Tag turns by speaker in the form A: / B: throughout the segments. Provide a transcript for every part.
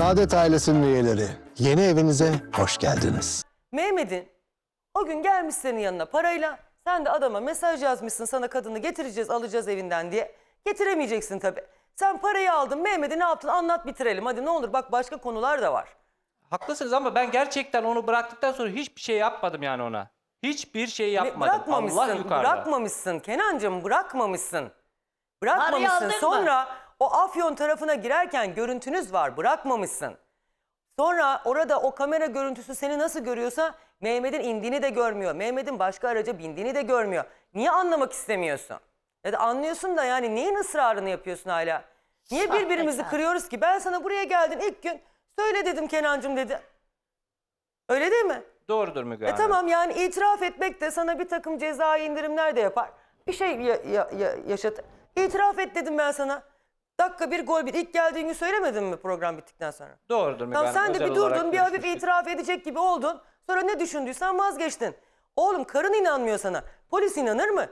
A: Saadet ailesinin üyeleri, yeni evinize hoş geldiniz.
B: Mehmet'in o gün gelmiş senin yanına parayla. Sen de adama mesaj yazmışsın, sana kadını getireceğiz, alacağız evinden diye. Getiremeyeceksin tabii. Sen parayı aldın, Mehmet'e ne yaptın anlat bitirelim. Hadi ne olur, bak başka konular da var.
C: Haklısınız ama ben gerçekten onu bıraktıktan sonra hiçbir şey yapmadım yani ona. Hiçbir şey yapmadım. Allah yukarıda.
B: Bırakmamışsın Kenancığım, bırakmamışsın.
D: Parayı
B: Bırakmamışsın.
D: aldın mı?
B: Sonra o Afyon tarafına girerken görüntünüz var, bırakmamışsın. Sonra orada o kamera görüntüsü seni nasıl görüyorsa Mehmet'in indiğini de görmüyor. Mehmet'in başka araca bindiğini de görmüyor. Niye anlamak istemiyorsun? Ya da anlıyorsun da yani neyin ısrarını yapıyorsun hala? Niye birbirimizi kırıyoruz ki? Ben sana buraya geldim ilk gün söyle dedim Kenancığım dedi. Öyle değil mi?
C: Doğrudur Müge Hanım.
B: Tamam yani itiraf etmek de sana bir takım cezai indirimler de yapar. Bir şey yaşatır. İtiraf et dedim ben sana. Dakika bir gol bir. İlk geldiğin gün söylemedin mi program bittikten sonra?
C: Doğrudur Müge
B: Tamam
C: Hanım.
B: sen de
C: Özel
B: bir
C: olarak
B: durdun, bir hafif
C: görüşmüştük.
B: itiraf edecek gibi oldun. Sonra ne düşündüysen vazgeçtin. Oğlum karın inanmıyor sana. Polis inanır mı?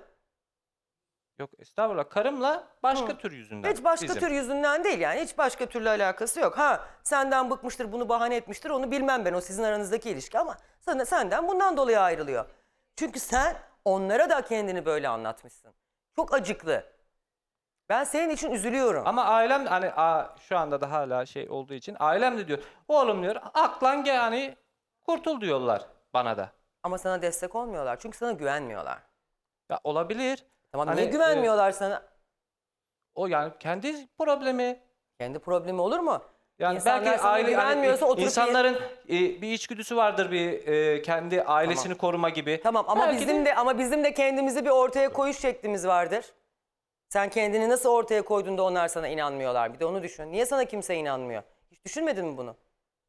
C: Yok estağfurullah. Karımla başka tür yüzünden.
B: Hiç başka
C: bizim.
B: tür yüzünden değil yani. Hiç başka türlü alakası yok. Ha senden bıkmıştır, bunu bahane etmiştir. Onu bilmem ben. O sizin aranızdaki ilişki ama senden bundan dolayı ayrılıyor. Çünkü sen onlara da kendini böyle anlatmışsın. Çok acıklı. Ben senin için üzülüyorum.
C: Ama ailem hani şu anda da hala şey olduğu için ailem de diyor. Oğlum diyor aklan gel hani kurtul diyorlar bana da.
B: Ama sana destek olmuyorlar. Çünkü sana güvenmiyorlar.
C: Ya olabilir.
B: Tamam
C: Hani,
B: niye güvenmiyorlar sana?
C: O yani kendi problemi.
B: Kendi problemi olur mu?
C: Yani
B: İnsanlar
C: belki
B: sana
C: aile
B: güvenmiyorsa oturup
C: insanların bir içgüdüsü vardır kendi ailesini koruma gibi.
B: Tamam ama
C: Belki
B: bizim de kendimizi bir ortaya koyuş şeklimiz vardır. Sen kendini nasıl ortaya koyduğunda onlar sana inanmıyorlar. Bir de onu düşün. Niye sana kimse inanmıyor? Hiç düşünmedin mi bunu?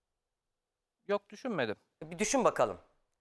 C: Yok düşünmedim.
B: Bir düşün bakalım.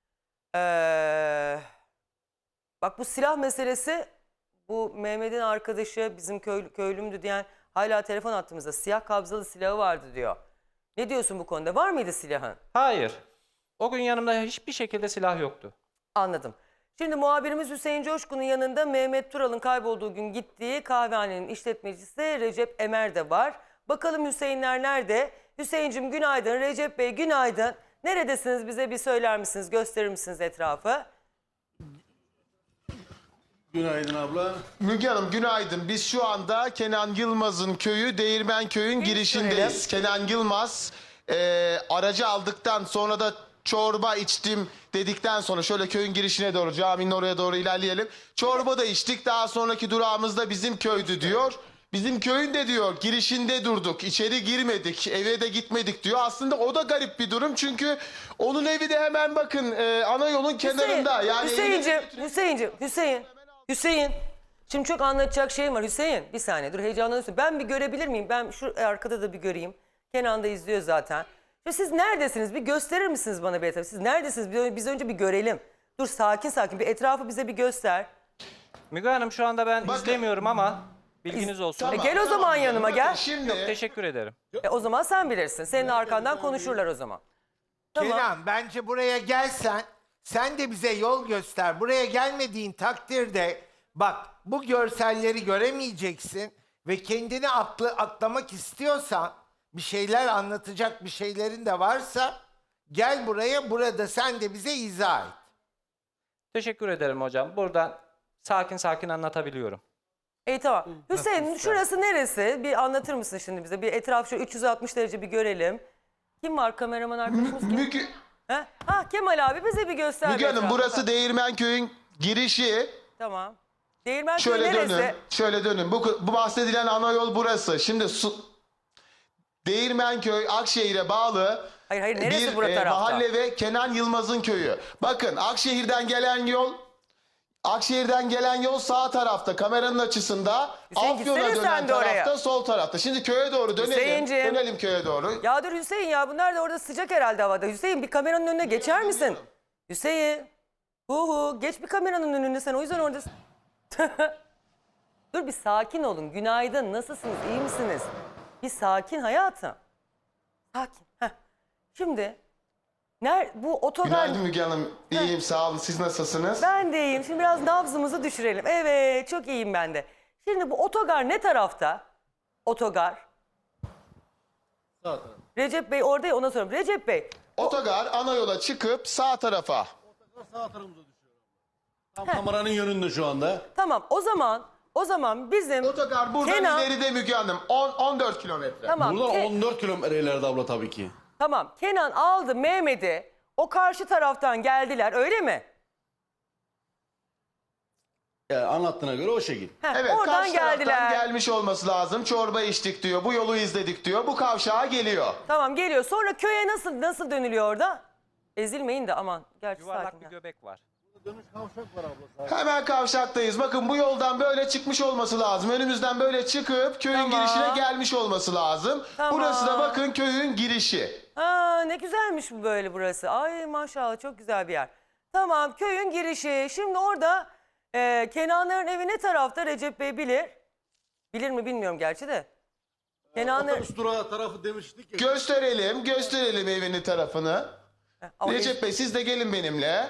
B: Bak bu silah meselesi, bu Mehmet'in arkadaşı bizim köylümdü diyen hala telefon attığımızda siyah kabzalı silahı vardı diyor. Ne diyorsun bu konuda? Var mıydı silahın?
C: Hayır. O gün yanımda hiçbir şekilde silah yoktu.
B: Anladım. Şimdi muhabirimiz Hüseyin Coşkun'un yanında Mehmet Tural'ın kaybolduğu gün gittiği kahvehanenin işletmecisi Recep Emer de var. Bakalım Hüseyinler nerede? Hüseyin'cim günaydın, Recep Bey günaydın. Neredesiniz, bize bir söyler misiniz, gösterir misiniz etrafı?
E: Günaydın abla.
F: Müge Hanım günaydın. Biz şu anda Kenan Yılmaz'ın köyü Değirmenköy'ün girişindeyiz. Kenan Yılmaz aracı aldıktan sonra da çorba içtim dedikten sonra şöyle köyün girişine doğru, caminin oraya doğru ilerleyelim. Çorba da içtik, daha sonraki durağımızda bizim köydü diyor. Bizim köyün de diyor girişinde durduk, içeri girmedik, eve de gitmedik diyor. Aslında o da garip bir durum çünkü onun evi de hemen bakın ana yolun kenarında. Yani
B: Hüseyin. Şimdi çok anlatacak şeyim var Hüseyin. Bir saniye dur, heyecanlanıyorsun. Ben bir görebilir miyim? Ben şu arkada da bir göreyim. Kenan da izliyor zaten. Şimdi siz neredesiniz? Bir gösterir misiniz bana bir etrafı? Siz neredesiniz? Biz önce bir görelim. Dur sakin bir etrafı bize bir göster.
C: Müge Hanım şu anda ben
F: Bakın.
C: izlemiyorum ama bilginiz olsun.
F: Tamam,
B: Gel o zaman yanıma
F: Bakın
B: gel.
F: Şimdi
C: Teşekkür ederim.
B: O zaman sen bilirsin. Senin arkandan konuşurlar o zaman. Tamam.
G: Kenan bence buraya gelsen sen de bize yol göster. Buraya gelmediğin takdirde bak bu görselleri göremeyeceksin ve kendini aklamak istiyorsan bir şeyler anlatacak bir şeylerin de varsa gel buraya, burada sen de bize izah et.
C: Teşekkür ederim hocam. Buradan sakin anlatabiliyorum.
B: İyi tamam. Hüseyin şurası neresi? Bir anlatır mısın şimdi bize? Bir etraf şöyle 360 derece bir görelim. Kim var kameraman arkadaşımız kim?
F: Müge,
B: Kemal abi bize bir göster.
F: Müge
B: bir
F: Hanım
B: etrafı.
F: burası Değirmenköy'ün girişi.
B: Tamam. Değirmenköy
F: Şöyle
B: neresi?
F: dönün. Şöyle dönün. Bu bahsedilen ana yol burası. Şimdi Değirmenköy Akşehir'e bağlı
B: Hayır neresi
F: bir
B: bu tarafta?
F: mahalle ve Kenan Yılmaz'ın köyü. Bakın Akşehir'den gelen yol sağ tarafta kameranın açısında.
B: Hüseyin,
F: Afyon'a
B: gitsene sen
F: dönen
B: de oraya.
F: tarafta sol tarafta. Şimdi köye doğru dönelim.
B: Hüseyinciğim.
F: Dönelim köye doğru.
B: Ya dur Hüseyin ya, bunlar da orada sıcak herhalde havada. Hüseyin bir kameranın önüne geçer misin? Hüseyin. Geç bir kameranın önüne, sen o yüzden oradasın. Dur bir sakin olun. Günaydın, nasılsınız, iyi misiniz? Bir sakin hayatım. Sakin. Şimdi bu otogar...
F: Günaydın Müge Hanım. İyiyim sağ olun. Siz nasılsınız?
B: Ben de iyiyim. Şimdi biraz nabzımızı düşürelim. Evet, çok iyiyim ben de. Şimdi bu otogar ne tarafta? Otogar. Recep Bey orada ya, ona soruyorum. Recep Bey,
F: Otogar ana yola çıkıp sağ tarafa.
E: Sağ tarafımıza düşüyor. Tam kameranın yönünde şu anda.
B: tamam o zaman bizim
F: Otogar buradan
B: Kenan,
F: ileride Müge Hanım. 14 kilometre.
B: tamam,
E: Buradan
B: Ke-
E: 14 kilometre ileride abla tabii ki.
B: tamam Kenan aldı Mehmet'i, o karşı taraftan geldiler öyle mi?
E: Yani anlattığına göre o şekil.
B: Heh,
F: Evet,
B: oradan
F: karşı taraftan
B: geldiler.
F: gelmiş olması lazım. Çorba içtik diyor. Bu yolu izledik diyor. Bu kavşağa geliyor.
B: Tamam geliyor. Sonra köye nasıl dönülüyor orada? Ezilmeyin de aman. Gerçi
C: Yuvarlak
B: sakin
C: bir
B: ya.
C: göbek var.
F: Hemen kavşaktayız. Bakın bu yoldan böyle çıkmış olması lazım. Önümüzden böyle çıkıp köyün
B: Tamam.
F: girişine gelmiş olması lazım.
B: Tamam.
F: Burası da bakın köyün girişi.
B: Aa, ne güzelmiş bu böyle burası. Ay maşallah çok güzel bir yer. Tamam köyün girişi. Şimdi orada Kenanların evi ne tarafta Recep Bey bilir. Bilir mi bilmiyorum gerçi de. Kenanlar...
E: Otobüs durağı tarafı demiştik ya.
F: Gösterelim evinin tarafını.
B: Ama
F: Recep Bey siz de gelin benimle.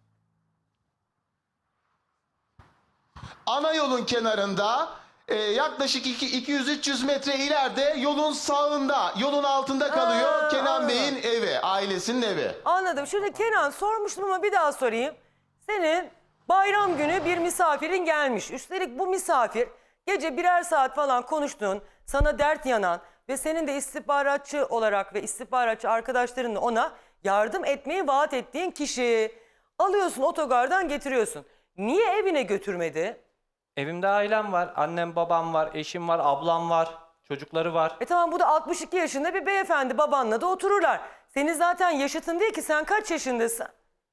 F: Ana yolun kenarında yaklaşık 200-300 metre ileride yolun sağında, yolun altında kalıyor
B: Aa,
F: Kenan
B: anladım.
F: Bey'in evi, ailesinin evi.
B: Anladım. Şimdi Kenan sormuştum ama bir daha sorayım. Senin bayram günü bir misafirin gelmiş. Üstelik bu misafir gece birer saat falan konuştuğun, sana dert yanan ve senin de istihbaratçı olarak ve istihbaratçı arkadaşlarınla ona yardım etmeyi vaat ettiğin kişi. Alıyorsun otogardan getiriyorsun. Niye evine götürmedi?
C: Evimde ailem var. Annem, babam var, eşim var, ablam var, çocukları var.
B: Tamam bu da 62 yaşında bir beyefendi, babanla da otururlar. Senin zaten yaşıtın değil ki, sen kaç yaşındasın?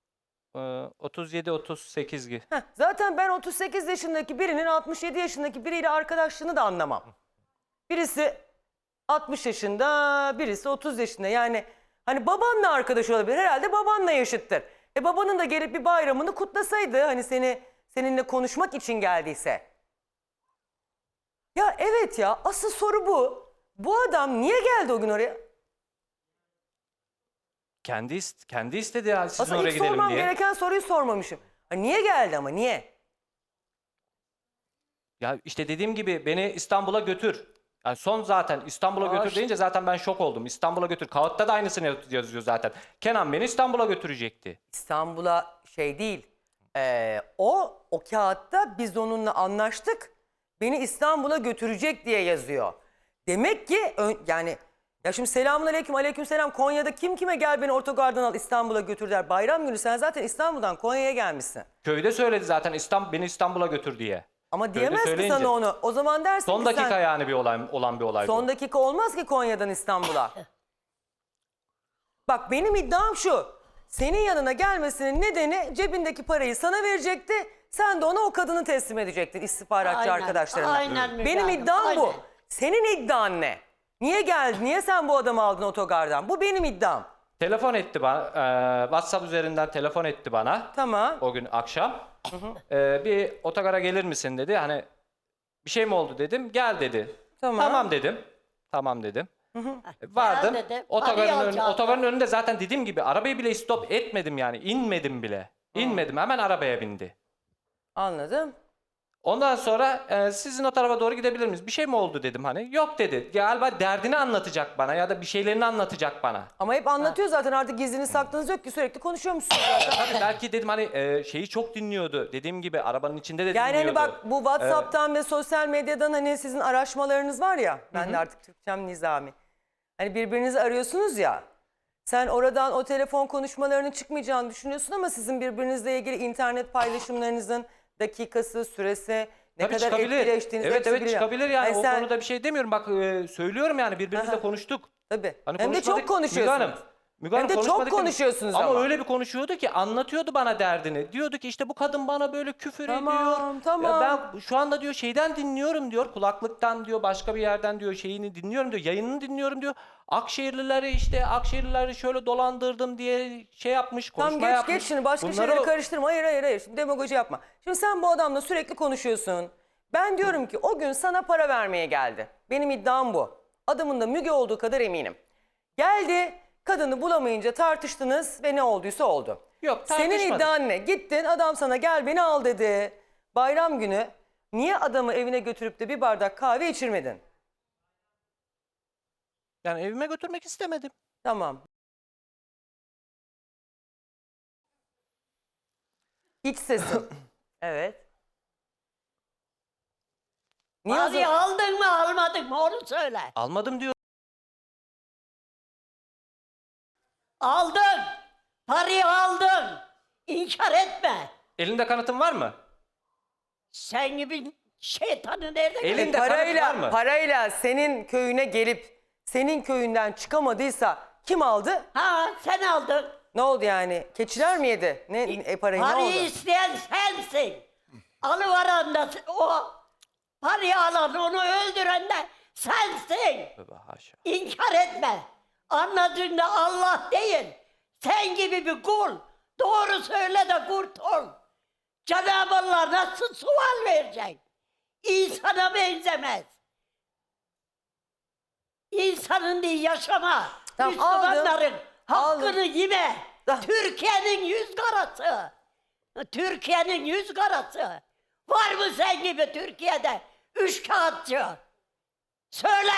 C: 37-38 gibi.
B: Zaten ben 38 yaşındaki birinin 67 yaşındaki biriyle arkadaşlığını da anlamam. Birisi 60 yaşında, birisi 30 yaşında. Yani hani babanla arkadaş olabilir. Herhalde babanla yaşıttır. Babanın da gelip bir bayramını kutlasaydı, hani seninle konuşmak için geldiyse. Ya evet ya, asıl soru bu. Bu adam niye geldi o gün oraya?
C: Kendi istedi ya sizin
B: Aslında
C: oraya
B: ilk
C: gidelim
B: sormam
C: diye.
B: gereken soruyu sormamışım. Ha, niye geldi ama niye?
C: Ya işte dediğim gibi beni İstanbul'a götür. Yani son zaten İstanbul'a götür
B: işte.
C: deyince zaten ben şok oldum. İstanbul'a götür. Kağıtta da aynısını yazıyor zaten. Kenan beni İstanbul'a götürecekti.
B: İstanbul'a şey değil. O kağıtta biz onunla anlaştık. Beni İstanbul'a götürecek diye yazıyor. Demek ki yani ya şimdi selamun aleyküm selam, Konya'da kim kime gel beni otogardan al İstanbul'a götür der. Bayram günü sen zaten İstanbul'dan Konya'ya gelmişsin.
C: Köyde söyledi zaten beni İstanbul'a götür diye.
B: Ama
C: Köyde
B: diyemez ki
C: söyleyince.
B: sana onu. O zaman dersin
C: Son
B: ki
C: dakika
B: sen,
C: yani bir olay olan bir olay.
B: son
C: bu.
B: dakika olmaz ki Konya'dan İstanbul'a. Bak benim iddiam şu. Senin yanına gelmesinin nedeni cebindeki parayı sana verecekti. Sen de ona o kadını teslim edecektin istihbaratçı
D: Aynen,
B: arkadaşlarına.
D: aynen Müge
B: Benim
D: Hanım,
B: iddiam bu.
D: aynen.
B: Senin iddian ne? Niye geldin? Niye sen bu adamı aldın otogardan? Bu benim iddiam.
C: Telefon etti bana. WhatsApp üzerinden telefon etti bana.
B: Tamam.
C: O gün akşam. Bir otogara gelir misin dedi. Hani bir şey mi oldu dedim. Gel dedi.
B: Tamam.
C: dedim. Tamam dedim. Vardım.
D: Gel dedi,
C: Otogarın,
D: parayı
C: önünde,
D: alacaktı.
C: otogarın önünde zaten dediğim gibi arabayı bile stop etmedim yani. İnmedim bile. İnmedim. Hemen arabaya bindi.
B: Anladım.
C: Ondan sonra sizin o tarafa doğru gidebilir miyiz? Bir şey mi oldu dedim hani. Yok dedi. Galiba derdini anlatacak bana ya da bir şeylerini anlatacak bana.
B: Ama hep anlatıyor zaten, artık gizliniz saklınız yok ki, sürekli konuşuyormuşsun zaten.
C: Tabii belki dedim hani şeyi çok dinliyordu. Dediğim gibi arabanın içinde de
B: Yani
C: dinliyordu.
B: hani bak bu WhatsApp'tan ve sosyal medyadan hani sizin araşmalarınız var ya. Ben de artık Türkçem nizami. Hani birbirinizi arıyorsunuz ya. Sen oradan o telefon konuşmalarının çıkmayacağını düşünüyorsun ama sizin birbirinizle ilgili internet paylaşımlarınızın dakikası, süresi, ne
C: Tabii
B: kadar
C: çıkabilir.
B: etkileştiğiniz
C: Evet
B: hepsi
C: evet
B: biliniyor.
C: çıkabilir yani.
B: Hani
C: O
B: sen-
C: konuda bir şey demiyorum. Bak söylüyorum yani birbirimizle
B: Aha.
C: konuştuk.
B: Tabii.
C: Hani
B: Hem de çok
C: konuşmadık.
B: konuşuyorsunuz.
C: Müge
B: Hem
C: Hanım
B: de çok
C: konuşmadık dedim.
B: konuşuyorsunuz
C: ama.
B: ama.
C: Öyle bir konuşuyordu ki anlatıyordu bana derdini. Diyordu ki işte bu kadın bana böyle küfür
B: Tamam,
C: ediyor.
B: tamam.
C: Ya ben şu anda diyor şeyden dinliyorum diyor. Kulaklıktan diyor başka bir yerden diyor şeyini dinliyorum diyor. Yayınını dinliyorum diyor. Akşehirlileri şöyle dolandırdım diye şey yapmış, konuşma
B: Tamam
C: yapmış.
B: geç şimdi başka
C: Bunları
B: şeyleri karıştırma. Hayır. Şimdi demagoji yapma. Şimdi sen bu adamla sürekli konuşuyorsun. Ben diyorum ki o gün sana para vermeye geldi. Benim iddiam bu. Adamın da Müge olduğu kadar eminim. Geldi, kadını bulamayınca tartıştınız ve ne olduysa oldu.
C: Yok,
B: Senin
C: tartışmadık.
B: iddian ne? Gittin, adam sana gel beni al dedi. Bayram günü niye adamı evine götürüp de bir bardak kahve içirmedin?
C: Yani evime götürmek istemedim.
B: Tamam. İç sesin. Evet. Niye o
D: Hadi
B: zaman-
D: aldın mı almadın mı onu söyle.
C: Almadım diyor.
D: Aldın. Parayı aldın. İnkar etme.
C: Elinde kanıtın var mı?
D: Sen gibi şeytanı nerede
C: Elinde
D: gördün?
C: kanıt var mı?
B: Parayla senin köyüne gelip senin köyünden çıkamadıysa kim aldı?
D: Ha sen aldın.
B: Ne oldu yani? Keçiler mi yedi? Parayı ne oldu?
D: Parayı isteyen sensin. Alıveren de o. Parayı alan onu öldüren de sensin.
C: Tövbe haşa.
D: İnkar etme. Anladığında Allah değil. Sen gibi bir kul. Doğru söyle de kurtul. Cenab-ı Allah nasıl sual verecek? İnsana benzemez. İnsanın değil yaşama.
B: Tamam,
D: Müslümanların hakkını
B: aldım.
D: yeme.
B: Tamam.
D: Türkiye'nin yüz karası. Türkiye'nin yüz karası. Var mı sen gibi Türkiye'de üç kağıtçı? Söyle.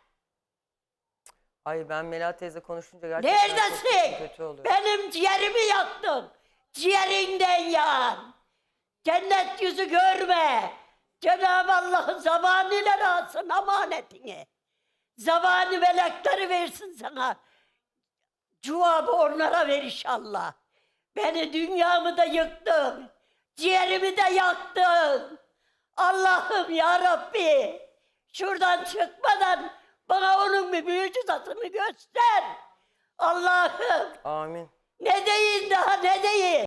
B: Ay ben Melahat teyze konuşunca gerçekten çok
D: Neredesin?
B: kötü oluyor.
D: Benim ciğerimi yaktın. Ciğerinden yan. Cennet yüzü görme. Cenab-ı Allah zamanıyla alsın amanetini. Zamanı melekleri versin sana. Cevabı onlara ver inşallah. Beni dünyamı da yıktın. Ciğerimi de yaktın. Allah'ım ya Rabbi. Şuradan çıkmadan bana onun bir mucizasını göster. Allah'ım.
B: Amin.
D: Ne deyin daha ne deyin?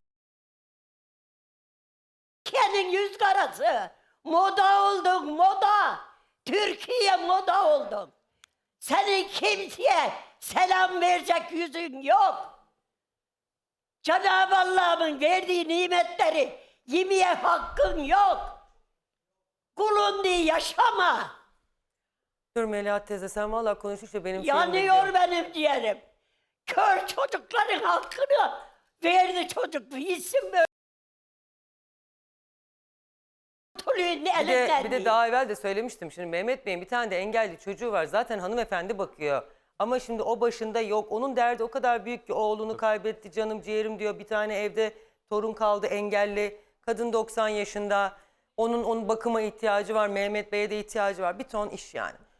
D: Türkiye'nin yüz karası. Moda oldun moda. Türkiye moda oldun. Senin kimseye selam verecek yüzün yok. Cenab-ı Allah'ın verdiği nimetleri yemeye hakkın yok. Kulun diye yaşama.
B: Dur Melahat teyze sen valla konuşunca benim şeyim gidiyor.
D: Yanıyor benim ciğerim. Kör çocukların hakkını verdi çocuk. Bilsin böyle.
B: Bir de daha evvel de söylemiştim. Şimdi Mehmet Bey'in bir tane de engelli çocuğu var. Zaten hanımefendi bakıyor. Ama şimdi o başında yok. Onun derdi o kadar büyük ki oğlunu kaybetti canım ciğerim diyor. Bir tane evde torun kaldı engelli. Kadın 90 yaşında. Onun bakıma ihtiyacı var. Mehmet Bey'e de ihtiyacı var. Bir ton iş yani.